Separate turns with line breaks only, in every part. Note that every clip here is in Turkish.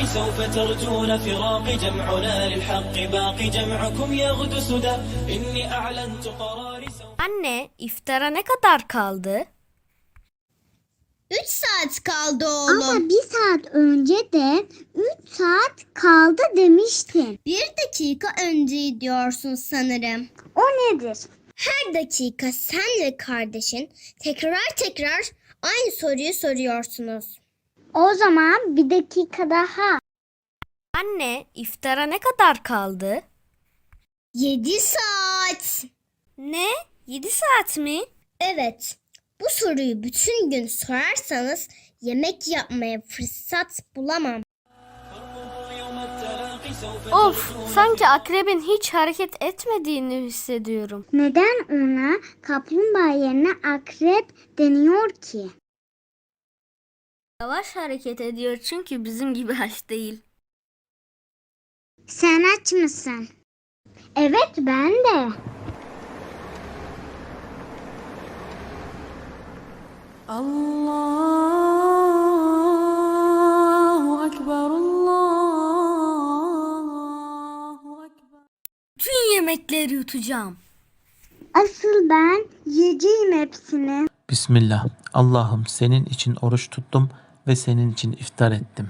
سوف ترجون فراق جمعنا للحق باقي جمعكم يغدو سدى إني أعلنت قراري.
Anne, iftara ne kadar kaldı?
3 saat kaldı oğlum.
Ama bir saat önce de 3 saat kaldı demiştin.
1 dakika önce diyorsun sanırım.
O nedir?
Her dakika sen ve kardeşin tekrar aynı soruyu soruyorsunuz.
O zaman bir dakika daha.
Anne, iftara ne kadar kaldı?
7 saat.
Ne? 7 saat mi?
Evet. Bu soruyu bütün gün sorarsanız yemek yapmaya fırsat bulamam.
Of, sanki akrebin hiç hareket etmediğini hissediyorum.
Neden ona kaplumbağa yerine akrep deniyor ki?
Yavaş hareket ediyor çünkü bizim gibi aç değil.
Sen aç mısın? Evet, ben de.
Allahu Ekber, Allahu Ekber.
Tüm yemekleri yutacağım.
Asıl ben yiyeceğim hepsini.
Bismillah. Allah'ım senin için oruç tuttum ve senin için iftar ettim.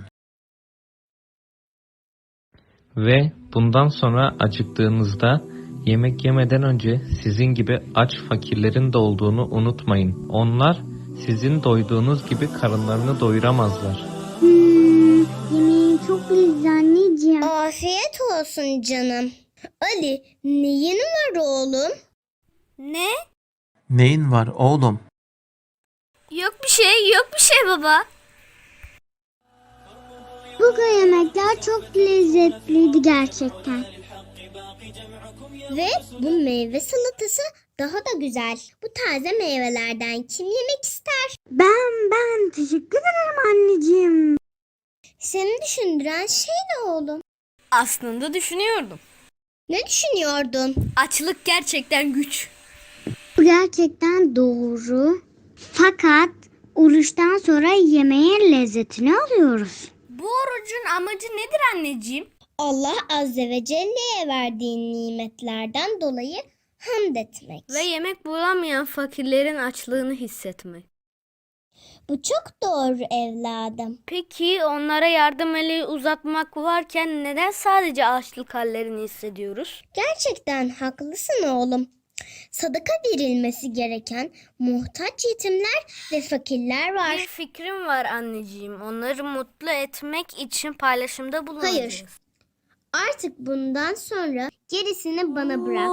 Ve bundan sonra acıktığınızda yemek yemeden önce sizin gibi aç fakirlerin de olduğunu unutmayın. Onlar sizin doyduğunuz gibi karınlarını doyuramazlar.
Yemeğin çok lezzetli anneciğim.
Afiyet olsun canım. Ali, neyin var oğlum?
Ne?
Neyin var oğlum?
Yok bir şey baba.
Bugün yemekler çok lezzetliydi gerçekten.
Ve bu meyve salatası daha da güzel. Bu taze meyvelerden kim yemek ister?
Ben teşekkür ederim anneciğim.
Seni düşündüren şey ne oğlum?
Aslında düşünüyordum.
Ne düşünüyordun?
Açlık gerçekten güç.
Bu gerçekten doğru. Fakat oruçtan sonra yemeğin lezzetini alıyoruz.
Bu orucun amacı nedir anneciğim?
Allah Azze ve Celle'ye verdiği nimetlerden dolayı hamd etmek.
Ve yemek bulamayan fakirlerin açlığını hissetmek.
Bu çok doğru evladım.
Peki onlara yardım eli uzatmak varken neden sadece açlık hallerini hissediyoruz?
Gerçekten haklısın oğlum. Sadaka verilmesi gereken muhtaç yetimler ve fakirler var.
Bir fikrim var anneciğim. Onları mutlu etmek için paylaşımda bulunacağız.
Hayır. Artık bundan sonra gerisini bana bırak.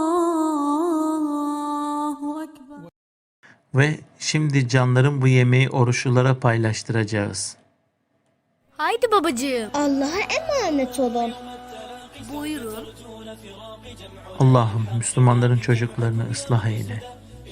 Allahu Ekber.
Ve şimdi canlarım bu yemeği oruçlulara paylaştıracağız.
Haydi babacığım.
Allah'a emanet olun.
Buyurun.
Allah'ım Müslümanların çocuklarını ıslah eyle.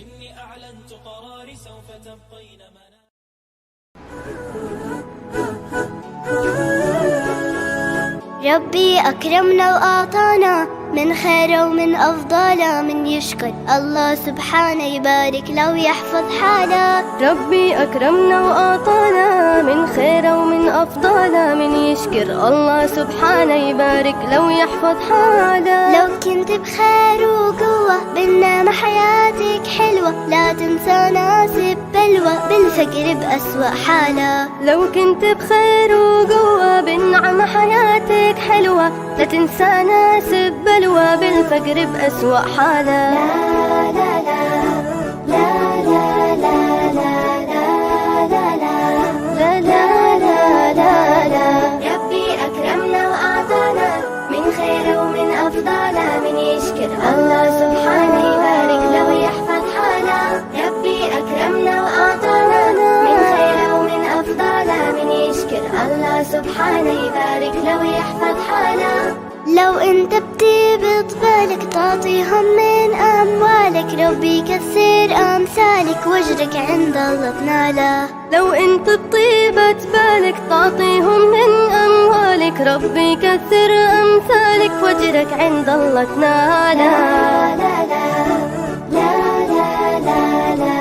ربي أكرمنا وأعطانا من خير ومن أفضل من يشكر الله سبحانه يبارك له ويحفظ حاله.
ربي أكرمنا وأعطانا من خير ومن أفضل من يشكر الله سبحانه يبارك له ويحفظ حاله.
لو كنت بخير وقوة بالنعمة حياتك حلوة لا تنسى ناسب بلوى بالفقر بأسوأ حالة.
لو كنت بخير وقوة بالنعمة حياتك حلوة لا تنسى ناسب بلوى بالفقر بأسوأ حالة.
لا لا لا لا لا لا لا لا لا لا لا لا لا لا. ربي أكرمنا وأعطانا من خير ومن أفضل من يشكر الله سبحانه يبارك له ويحفظ حاله. ربي أكرمنا وأعطانا من خير ومن أفضل من يشكر الله سبحانه يبارك له ويحفظ حاله. لو انت بطيب بالك تعطيهم من اموالك ربي يكثر امثالك واجرك عند الله تناله.
لو انت بطيبة بالك تعطيهم من اموالك ربي يكثر امثالك واجرك عند الله تناله.
لا لا لا لا لا لا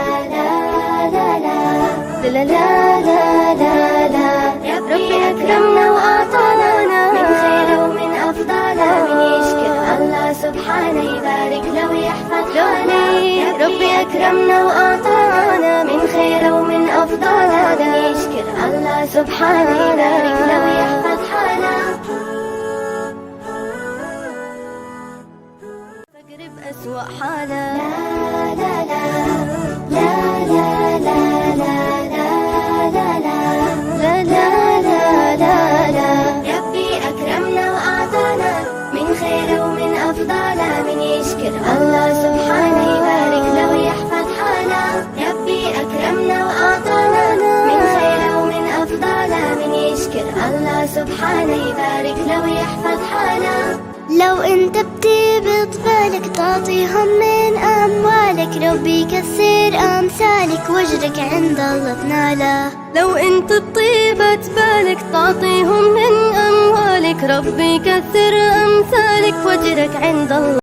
لا لا لا لا لا لا لا. ربي أكرمنا وأعطانا أكرمنا وأعطانا من خير ومن أفضل هذا يشكر الله سبحانه يبارك له ويحفظ حاله
فقر بأسوأ حاله
لا لا لا لا لا لا لا لا لا لا لا لا لا ربي أكرمنا وأعطانا من خير ومن أفضل من يشكر الله سبحانه يبارك له ويحفظ حاله ربي أكرمنا وأعطانا من خير ومن أفضل من يشكر الله سبحانه يبارك له ويحفظ حاله
لو انت بتبط بالك تعطيهم من اموالك ربي يكسر امثالك واجرك عند الله تناله
لو انت بطيبة بالك تعطيهم من أموالك ربي يكثر أمثالك واجرك عند الله